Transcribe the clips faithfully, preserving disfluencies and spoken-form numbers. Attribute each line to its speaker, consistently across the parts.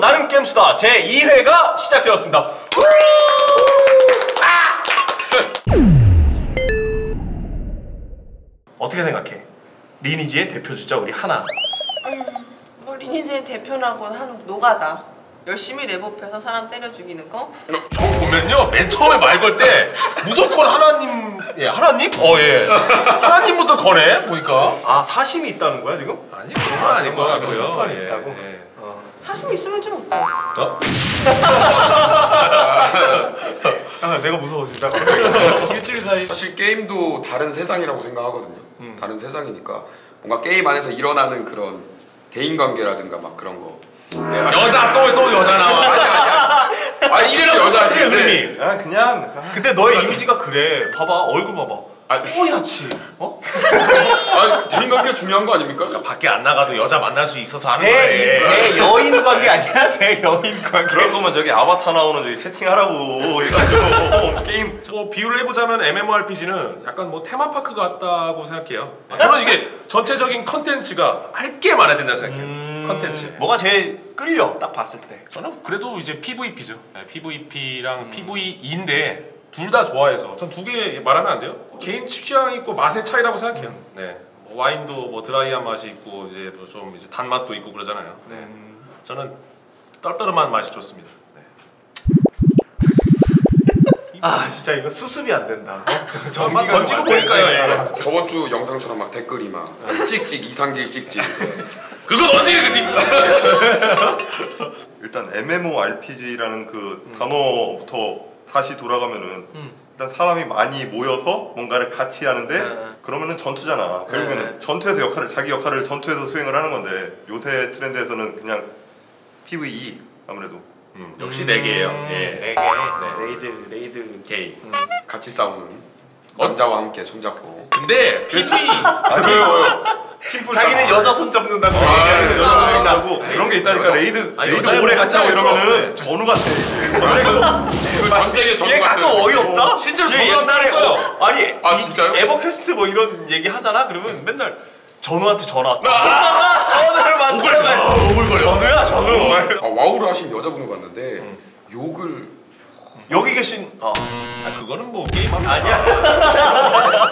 Speaker 1: 나는 겜수다 제이 회가 시작되었습니다. 아! 어떻게 생각해? 리니지의 대표 주자 우리 하나.
Speaker 2: 음, 뭐 리니지의 대표라고는 한 노가다. 열심히 랩업해서 사람 때려 죽이는 거?
Speaker 3: 보면요 맨 처음에 말 걸 때 무조건 하나님 예 하나님? 어예 하나님부터 거네 보니까.
Speaker 1: 아 사심이 있다는 거야 지금?
Speaker 3: 아니 그런 건 아닌 것 같고요.
Speaker 1: 패턴이
Speaker 3: 예,
Speaker 1: 있다고?
Speaker 3: 예.
Speaker 1: 어.
Speaker 2: 사심 있으면 좀 어때?
Speaker 3: 어?
Speaker 1: 아 내가 무서워진다.
Speaker 3: 일주일 사이.
Speaker 4: 사실 게임도 다른 세상이라고 생각하거든요.
Speaker 1: 음.
Speaker 4: 다른 세상이니까 뭔가 게임 안에서 일어나는 그런 대인관계라든가 막 그런 거. 네,
Speaker 3: 여자 또 또 여자 나와.
Speaker 4: 아니 아니야. 아니
Speaker 3: 이래랑 똑같아요 흐름이.
Speaker 1: 아 그냥 근데 너의 이미지가 그래. 봐봐 얼굴 봐봐.
Speaker 4: 아니,
Speaker 1: 뽀얗지. 어?
Speaker 4: 아니 대인관계가 중요한 거 아닙니까?
Speaker 3: 야, 밖에 안 나가도 여자 만날 수 있어서 하는
Speaker 1: 대,
Speaker 3: 거예요.
Speaker 1: 대 여인 관계 아니야? 대 여인 관계.
Speaker 5: 그런 거면 저기 아바타 나오는 저기 채팅하라고 해가지고 게임.
Speaker 3: 뭐 비유를 해보자면 엠엠오알피지는 약간 뭐 테마파크 같다고 생각해요. 저는 이게 전체적인 컨텐츠가 할 게 많아야 된다 생각해요.
Speaker 1: 음...
Speaker 3: 컨텐츠.
Speaker 1: 뭐가 제일 끌려? 딱 봤을 때.
Speaker 3: 저는 그래도 이제 피브이피죠. 네, 피브이피랑 음. 피브이이인데 둘 다 좋아해서 전 두 개 말하면 안 돼요? 개인 취향 있고 맛의 차이라고 생각해요. 음. 네. 뭐 와인도 뭐 드라이한 맛이 있고 이제 뭐 좀 이제 단맛도 있고 그러잖아요. 네. 음. 저는 떨떠름한 맛이 좋습니다. 네.
Speaker 1: 아 진짜 이거 수습이 안 된다. 어?
Speaker 3: 저만 던지고 보니까요. 예.
Speaker 4: 저번 주 영상처럼 막 댓글이 막 찍찍 이상길 찍찍.
Speaker 3: 그거 너지 그
Speaker 5: 일단 엠엠오알피지라는 그 음. 단어부터 다시 돌아가면은 음. 일단 사람이 많이 모여서 뭔가를 같이 하는데 네. 그러면은 전투잖아. 결국에는 네. 전투에서 역할을 자기 역할을 전투에서 수행을 하는 건데 요새 트렌드에서는 그냥 피브이이 아무래도
Speaker 3: 음, 역시 네 개예요.
Speaker 1: 음,
Speaker 3: 예.
Speaker 1: 네 개. 네. 레이드 레이드
Speaker 3: 게이.
Speaker 1: 음.
Speaker 4: 같이 싸우는 남자와 함께 손잡고.
Speaker 3: 근데 피브이
Speaker 5: 아니 왜요?
Speaker 1: 자기는 여자 손 잡는다고.
Speaker 5: 아,
Speaker 1: 자기는
Speaker 5: 네.
Speaker 1: 여자 손
Speaker 5: 아,
Speaker 1: 잡는다고.
Speaker 5: 네. 그런 게 있다니까. 레이드
Speaker 3: 아니,
Speaker 5: 레이드 오래 같이 하고 이러면은
Speaker 3: 네.
Speaker 5: 전우 같아.
Speaker 4: 그 전쟁의 전투
Speaker 1: 얘 가끔 어이없다?
Speaker 3: 실제로
Speaker 1: 얘
Speaker 3: 전우한테
Speaker 1: 옛날에
Speaker 3: 했어요.
Speaker 1: 어, 아니
Speaker 4: 아,
Speaker 1: 이,
Speaker 4: 진짜요?
Speaker 1: 에버퀘스트 뭐 이런 얘기 하잖아. 그러면 맨날 전우한테 전화 왔다. 아, 전우를 만나면
Speaker 3: 오글거려.
Speaker 1: 전우야 전우.
Speaker 4: 아, 와우를 하신 여자분을 봤는데 음. 욕을
Speaker 1: 여기 계신 어.
Speaker 3: 아 그거는 뭐 게임 하면
Speaker 1: 아니야.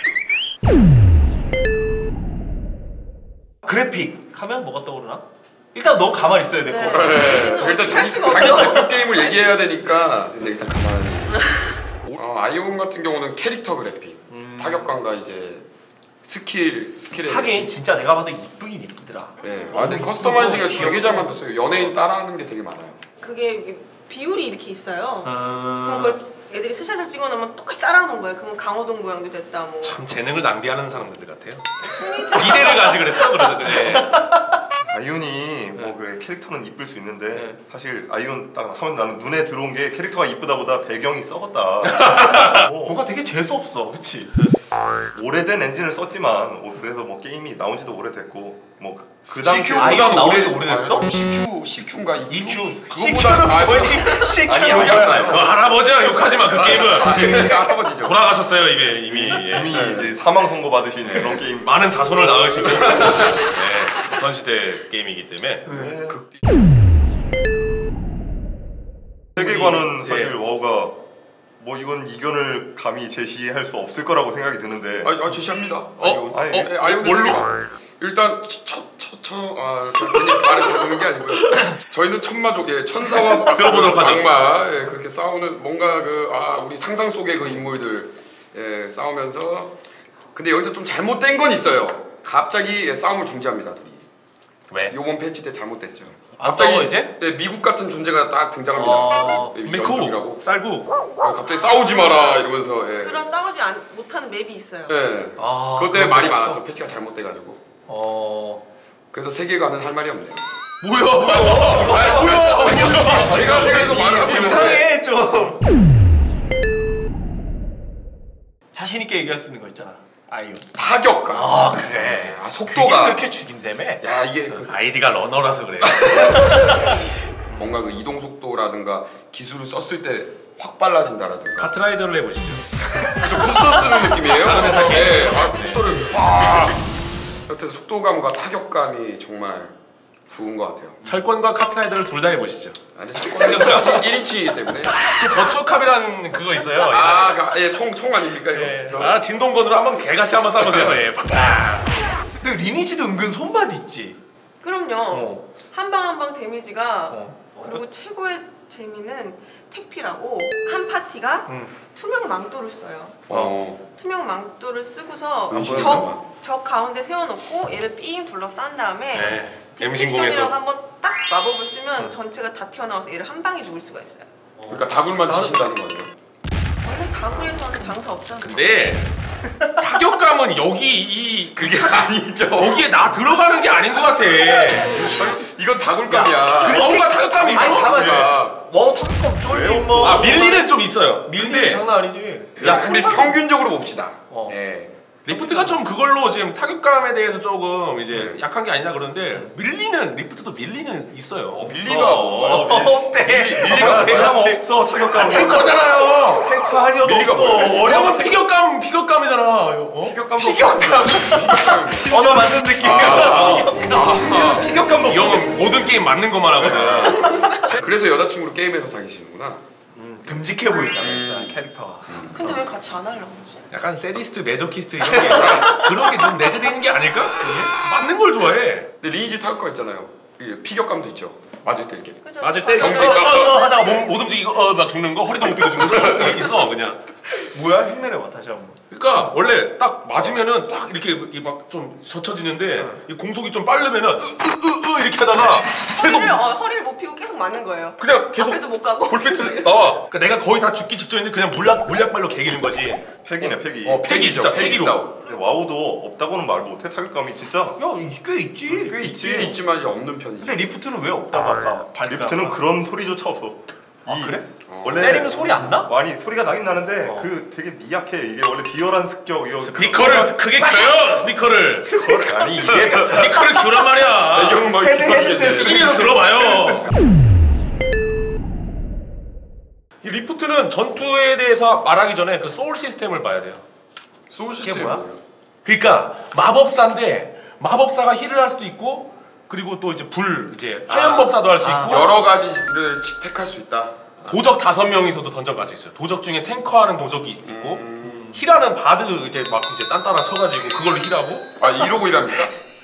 Speaker 1: 그래픽 하면 뭐가 떠오르나? 일단 너 가만히 있어야 될 거.
Speaker 2: 네.
Speaker 4: 네. 일단 자기, 자기 대표 게임을 얘기해야 되니까 근데 일단 가만히. 어, 아이온 같은 경우는 캐릭터 그래픽, 음. 타격감과 이제 스킬 스킬에
Speaker 1: 하긴 진짜 내가 봐도 이쁘긴 이쁘더라.
Speaker 4: 네. 아 근데 커스터마이징을 되게 잘 만들었어요. 연예인 따라하는 게 되게 많아요.
Speaker 2: 그게 비율이 이렇게 있어요.
Speaker 1: 음...
Speaker 2: 그럼 그걸 애들이 스샷을 찍어놓으면 똑같이 따라하는 거예요. 그러면 강호동 모양도 됐다 뭐.
Speaker 3: 참 재능을 낭비하는 사람들 같아요. 미래를 가지 그랬어 그래서 그래.
Speaker 5: 아이온이 뭐 그래 캐릭터는 이쁠 수 있는데 네. 사실 아이온 딱 하면 나는 눈에 들어온 게 캐릭터가 이쁘다보다 배경이 썩었다.
Speaker 1: 뭐, 뭔가 되게 재수 없어, 그렇지?
Speaker 5: 오래된 엔진을 썼지만 그래서 뭐 게임이 나온지도 오래됐고 뭐 그 당시
Speaker 1: 아이온 나온 지 오래됐어?
Speaker 4: 아, 씨큐 씨큐인가
Speaker 1: 이큐
Speaker 4: 그거보다 아
Speaker 1: 뭐지? 씨큐
Speaker 5: 아니야.
Speaker 3: 그 할아버지야 욕하지 마 그 게임은.
Speaker 4: 아, 그러니까 할아버지죠.
Speaker 3: 돌아가셨어요 이미 이미. 예.
Speaker 5: 이미 이제 사망 선고 받으신 그런 게임.
Speaker 3: 많은 자손을 낳으시고. 네, 조선시대 게임이기 때문에.
Speaker 5: 네. 세계관은 사실 와우가 뭐 이건 이견을 감히 제시할 수 없을 거라고 생각이 드는데.
Speaker 4: 아, 아 제시합니다.
Speaker 3: 어?
Speaker 5: 아니,
Speaker 4: 어? 네, 아이온 뭘로? 일단 첫첫첫아 괜히 말을 들어보는 게 아니고요. 저희는 천마족의 천사와
Speaker 3: 들어보도록 하죠.
Speaker 4: 악마 예, 그렇게 싸우는 뭔가 그 아 우리 상상 속의 그 인물들 예, 싸우면서 근데 여기서 좀 잘못된 건 있어요. 갑자기 예, 싸움을 중지합니다 둘이.
Speaker 3: 왜?
Speaker 4: 요번 패치 때 잘못됐죠.
Speaker 1: 안 싸워 이제?
Speaker 4: 예, 미국 같은 존재가 딱 등장합니다.
Speaker 1: 아,
Speaker 4: 예,
Speaker 3: 미국
Speaker 4: 연중이라고.
Speaker 3: 쌀국.
Speaker 4: 아, 갑자기 싸우지 마라 이러면서. 예.
Speaker 2: 그런 싸우지 안, 못하는 맵이 있어요.
Speaker 4: 예.
Speaker 1: 아,
Speaker 4: 그것 때문에 말이
Speaker 1: 없어?
Speaker 4: 많았죠. 패치가 잘못돼가지고.
Speaker 1: 어.
Speaker 4: 그래서 세계관은 할 말이 없네요.
Speaker 3: 뭐야? 아니 뭐야?
Speaker 4: 제가 세계에서 말을 하고
Speaker 1: 이상해 좀. 자신 있게 얘기할 수 있는 거 있잖아. 아이온.
Speaker 4: 타격감.
Speaker 1: 아 그래.
Speaker 4: 아 속도가.
Speaker 1: 그게 그렇게 죽인다며?
Speaker 4: 야 이게 그
Speaker 3: 아이디가 러너라서 그래.
Speaker 4: 뭔가 그 이동 속도라든가 기술을 썼을 때 확 빨라진다라든가.
Speaker 3: 카트라이더를 해보시죠.
Speaker 4: 좀 부스터 쓰는 느낌이에요.
Speaker 3: 아, 네.
Speaker 4: 네. 아 부스터를 팍. 여튼 속도감과 타격감이 정말 좋은 것 같아요.
Speaker 3: 철권과 카트라이더를 둘 다 해보시죠.
Speaker 4: 아니 철권은 일 인치이기 때문에.
Speaker 3: 그 버추어캅이라는 그거 있어요.
Speaker 4: 아, 예, 총, 총 아닙니까 이거?
Speaker 3: 예. 아 진동건으로 한번 개같이 한번 쏴보세요. 예.
Speaker 1: 근데 리니지도 은근 손맛 있지.
Speaker 2: 그럼요.
Speaker 1: 어.
Speaker 2: 한 방 한 방 데미지가
Speaker 1: 어.
Speaker 2: 그리고 최고의 재미는 택피라고 한 파티가
Speaker 1: 음.
Speaker 2: 투명 망토를 써요.
Speaker 4: 어.
Speaker 2: 투명 망토를 쓰고서
Speaker 4: 안 보여요,
Speaker 2: 적, 적 가운데 세워놓고 얘를 삥 둘러싼 다음에
Speaker 3: 네.
Speaker 2: 딕텍션이라고
Speaker 3: 엠신공에서
Speaker 2: 한번 딱 마법을 쓰면 전체가 다 튀어나와서 얘를 한 방에 죽일 수가 있어요.
Speaker 4: 그러니까 다굴만 치신다는 거예요.
Speaker 2: 원래 다구에서는 장사 없잖아.
Speaker 3: 근데 타격감은 여기 이
Speaker 4: 그게 아니죠.
Speaker 3: 여기에 나 들어가는 게 아닌 것 같아.
Speaker 4: 이건 다굴감이야.
Speaker 3: 뭔가 타격감이 있어.
Speaker 1: 아니 가만 있어.
Speaker 4: 야,
Speaker 1: 와 타격감 쫄지
Speaker 5: 왜
Speaker 1: 뭐.
Speaker 3: 아 밀리는 좀 있어요.
Speaker 1: 밀리는
Speaker 3: 근데
Speaker 1: 장난 아니지.
Speaker 4: 야, 우리 평균적으로 봅시다.
Speaker 1: 어.
Speaker 4: 예.
Speaker 3: 리프트가 좀 그걸로 지금 타격감에 대해서 조금 이제
Speaker 4: 네.
Speaker 3: 약한 게 아니냐 그러는데 밀리는 리프트도 밀리는 있어요.
Speaker 5: 밀리가 뭐
Speaker 1: 어때?
Speaker 5: 밀리가 그냥 없어 타격감.
Speaker 3: 탱커잖아요.
Speaker 1: 탱커 아니어도
Speaker 5: 밀리가
Speaker 1: 없어.
Speaker 5: 뭐야?
Speaker 3: 형은 피격감 피격감이잖아. 어?
Speaker 5: 피격감도
Speaker 1: 피격감. 언어 맞는 느낌이야.
Speaker 4: 아,
Speaker 1: 피격감도
Speaker 3: 이 형은 모든 게임 맞는 것만 하거든.
Speaker 4: 그래서 여자친구를 게임에서 사귀시는구나.
Speaker 1: 듬직해 보이잖아
Speaker 4: 음.
Speaker 1: 일단 캐릭터가.
Speaker 2: 근데 왜 같이 안 하려고 그러지?
Speaker 3: 약간 세디스트, 메조키스트 이런 게 그런 게 좀 내재되어 있는 게 아닐까? 그게? 맞는 걸 좋아해.
Speaker 4: 근데 리니지 타격감 있잖아요. 이게 피격감도 있죠. 맞을 때 이렇게.
Speaker 2: 그죠?
Speaker 3: 맞을 때
Speaker 2: 자기가-
Speaker 3: 경직 어어 하다가 몸 못 움직이고 어막 죽는 거 허리도 못 펴고 죽는 거 있어 그냥.
Speaker 1: 뭐야 흉내내봐 다시 한번.
Speaker 3: 그러니까 원래 딱 맞으면은 딱 이렇게 막 좀 젖혀지는데 이 공속이 좀 빠르면은 으으으으 이렇게 하다가 계속
Speaker 2: 허리를, 어, 허리를 못 펴고 계속 맞는 거예요.
Speaker 3: 그냥 계속
Speaker 2: 앞에도 못 가고.
Speaker 3: 볼펜트 나와. 그러니까 내가 거의 다 죽기 직전인데 그냥 물약 물약발로 개기는 거지.
Speaker 5: 팩이네 팩이.
Speaker 3: 어 팩이 진짜 팩이로.
Speaker 4: 싸움.
Speaker 5: 근데 와우도 없다고는 말 못해 타격감이 진짜
Speaker 1: 야꽤 있지.
Speaker 5: 꽤
Speaker 4: 있긴
Speaker 5: 있지.
Speaker 4: 있지만 이제 없는 편이죠.
Speaker 1: 근데 리프트는 왜 없다고 아까 발까?
Speaker 5: 리프트는 그런 소리조차 없어.
Speaker 1: 아 그래?
Speaker 4: 어.
Speaker 5: 원래
Speaker 1: 때리면 소리 안 나?
Speaker 5: 많이 소리가 나긴 나는데
Speaker 1: 어.
Speaker 5: 그 되게 미약해. 이게 원래 비열한 습격 이거
Speaker 3: 스피커를 크게 켜요 스피커를.
Speaker 5: 스피커를 아니 이게
Speaker 3: 스피커를 켜란 말이야.
Speaker 4: 배경은 막
Speaker 1: 헤드,
Speaker 4: 이렇게
Speaker 1: 헤드셋.
Speaker 4: 떨어지겠지.
Speaker 3: 층에서 들어봐요. 이 리프트는 전투에 대해서 말하기 전에 그 소울 시스템을 봐야 돼요.
Speaker 4: 소울
Speaker 1: 그게
Speaker 4: 시스템이
Speaker 1: 뭐야?
Speaker 4: 뭐예요?
Speaker 3: 그러니까 마법사인데 마법사가 힐을 할 수도 있고 그리고 또 이제 불 이제 화염법사도 할 수
Speaker 1: 아.
Speaker 3: 있고
Speaker 4: 여러 가지를 택할 수 있다.
Speaker 3: 도적 다섯 명이서도 던전 갈 수 있어요. 도적 중에 탱커하는 도적이 있고
Speaker 4: 음.
Speaker 3: 힐하는 바드 이제 막 이제 딴따라 쳐가지고 그걸로 힐하고.
Speaker 4: 아 이러고 일합니까?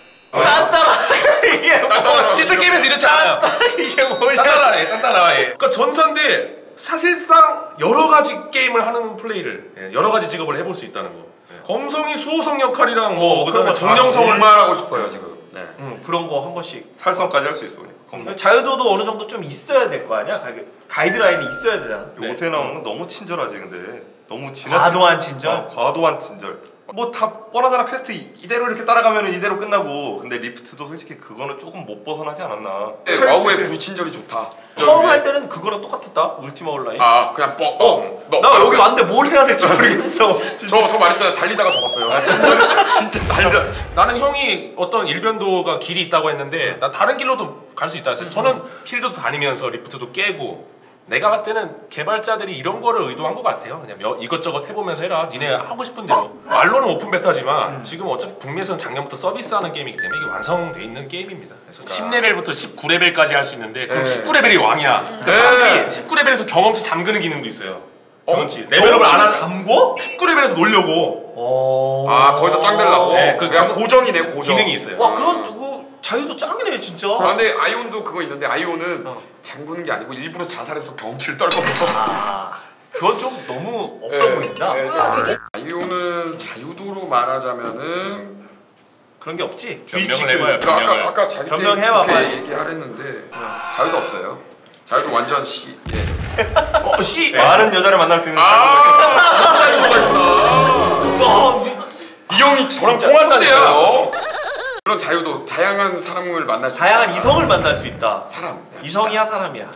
Speaker 1: 딴따라 이게 뭐?
Speaker 3: 실제 게임에서 이렇지 않아요.
Speaker 1: 이게 뭐야?
Speaker 3: 딴따라해, 딴따라해. 그러니까 전사인데 사실상 여러 가지 게임을 하는 플레이를 예, 여러 가지 직업을 해볼 수 있다는 거. 예. 검성이 수호성 역할이랑 뭐
Speaker 1: 어,
Speaker 3: 그다음에
Speaker 1: 그런 거
Speaker 3: 정령성을
Speaker 4: 정말 하고 싶어요 지금. 네.
Speaker 1: 응 그런 거 한 번씩.
Speaker 5: 살성까지 할 수 있어. 그냥.
Speaker 1: 자유도도 어느 정도 좀 있어야 될 거 아니야? 가이드, 가이드라인이 있어야 되잖아.
Speaker 3: 네.
Speaker 5: 요새 나오는 건 너무 친절하지 근데 너무 지나치
Speaker 1: 과도한 친절?
Speaker 5: 어, 과도한 친절. 뭐 다 뻔하잖아. 퀘스트 이- 이대로 이렇게 따라가면 이대로 끝나고. 근데 리프트도 솔직히 그거는 조금 못 벗어나지 않았나.
Speaker 4: 네, 와우의 불친절이 좋다.
Speaker 1: 처음 할 때는 그거랑 똑같았다. 울티마 온라인.
Speaker 4: 아 그냥 뻑. 어. 너,
Speaker 1: 나 여기 왔는데 뭘 해야 될지 모르겠어.
Speaker 4: 저저 말했잖아요. 달리다가 적었어요.
Speaker 5: 아 진짜 진짜 달려.
Speaker 3: 나는 형이 어떤 일변도가 길이 있다고 했는데 난 다른 길로도 갈 수 있다 했어요. 저는 필드도 다니면서 리프트도 깨고 내가 봤을 때는 개발자들이 이런 거를 의도한 것 같아요. 그냥 몇, 이것저것 해보면서 해라. 니네 하고 싶은 대로. 말로는 오픈 베타지만 지금 어차피 북미에서는 작년부터 서비스하는 게임이기 때문에 이게 완성돼 있는 게임입니다. 그래서 십 레벨부터 십구 레벨까지 할 수 있는데 그럼
Speaker 4: 네.
Speaker 3: 십구 레벨이 왕이야. 그러니까 사람들이 십구 레벨에서 경험치 잠그는 기능도 있어요. 경험치. 레벨업을 안 하자.
Speaker 1: 잠궈?
Speaker 3: 십구 레벨에서 놀려고
Speaker 1: 어.
Speaker 4: 아 거기서 짱 되려고.
Speaker 3: 네, 그
Speaker 4: 그냥
Speaker 3: 경-
Speaker 4: 고정이네 고정.
Speaker 3: 기능이 있어요.
Speaker 1: 와 그런 그 자유도 짱이네 진짜.
Speaker 4: 아 근데 아이온도 그거 있는데 아이온은
Speaker 1: 어.
Speaker 4: 잠그는 게 아니고 일부러 자살해서 경험치를 떨거든.
Speaker 1: 아 그건 좀 너무 없어
Speaker 4: 네,
Speaker 1: 보인다.
Speaker 4: 네, 네. 아이온은 자유도로 말하자면은
Speaker 1: 그런 게 없지.
Speaker 3: 변명을
Speaker 1: 주입식
Speaker 3: 해봐요.
Speaker 1: 그-
Speaker 4: 그 아까
Speaker 3: 변명을.
Speaker 4: 아까 자기
Speaker 1: 변명해봐,
Speaker 4: 때
Speaker 1: 빨리.
Speaker 4: 얘기하랬는데 자유도 없어요. 자유도 완전 시. 예.
Speaker 3: 어, 씨.
Speaker 5: 많은 여자를 만날 수 있는
Speaker 4: 아 자유도가 있구나.
Speaker 1: 어,
Speaker 4: 이 형이 저랑
Speaker 3: 진짜
Speaker 4: 통한다니까요. 그런 자유도 다양한 사람을 만날 수
Speaker 1: 다양한
Speaker 4: 있다.
Speaker 1: 이성을 만날 수 있다.
Speaker 4: 사람
Speaker 1: 이성이야 사람이야.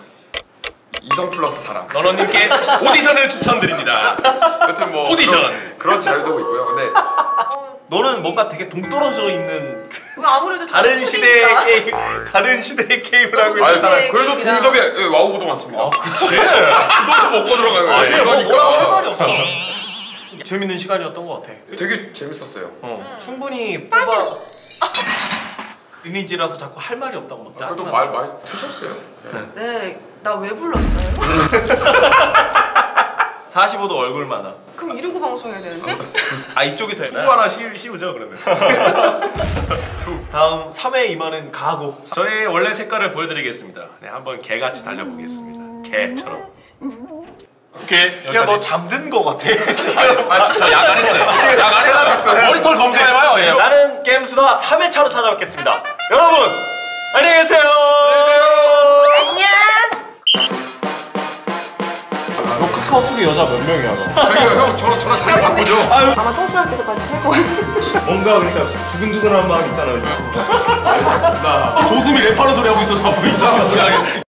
Speaker 4: 이성 플러스 사람.
Speaker 3: 너너님께 오디션을 추천드립니다.
Speaker 4: 여튼 뭐
Speaker 3: 오디션.
Speaker 4: 그런, 그런 자유도 있고요. 근데
Speaker 2: 어,
Speaker 1: 너는 뭔가 되게 동떨어져 있는 그
Speaker 2: 왜 아무래도
Speaker 1: 다른
Speaker 2: 좀
Speaker 1: 시대의
Speaker 2: 틀리니까.
Speaker 1: 게임, 다른 시대의 게임을 하고 있는
Speaker 4: 아니,
Speaker 1: 사람.
Speaker 2: 네,
Speaker 4: 그래도
Speaker 2: 게임이랑.
Speaker 4: 동접에 예, 와우도 많습니다.
Speaker 1: 아 그치.
Speaker 4: 그것도 먹고 들어가는 거예요.
Speaker 1: 아니 뭐
Speaker 4: 이거니까.
Speaker 1: 뭐라고 할 말이 없어. 재밌는 시간이었던 것 같아.
Speaker 4: 되게 재밌었어요.
Speaker 1: 어, 충분히 뽑아 리니지라서 자꾸 할 말이 없다고 막
Speaker 4: 그래도
Speaker 1: 짜증나.
Speaker 4: 말 많이 트셨어요. 네.
Speaker 2: 네, 나 왜 불렀어요?
Speaker 1: 사십오 도 얼굴마다.
Speaker 2: 그럼 이러고 방송해야 되는데?
Speaker 1: 아 이쪽이
Speaker 3: 투구
Speaker 1: 되나?
Speaker 3: 하나 씌우, 씌우죠 그러면.
Speaker 1: 다음 삼 회 임하는 가고.
Speaker 3: 저의 원래 색깔을 보여드리겠습니다. 네, 한번 개같이 달려보겠습니다. 개처럼. 오케이 여기까지.
Speaker 1: 야 너 잠든 거 같아 지금.
Speaker 3: 아 진짜 약 안 했어요. 약 안 했어요. 모니터를 검사해봐요. 예.
Speaker 1: 나는 게임수다 삼 회차로 찾아뵙겠습니다. 여러분 안녕히 계세요.
Speaker 2: 안녕!
Speaker 1: 너 카카오톡에 여자 몇 명이야 너?
Speaker 4: 저기요 형 저랑 저랑 자리 바꾸죠.
Speaker 2: 아마 똥침할 때까지 살 거야.
Speaker 5: 뭔가 그러니까 두근두근한 마음 있잖아.
Speaker 3: 조수미 랩하는 소리 하고 있어. 자꾸 이상한 소리 하게.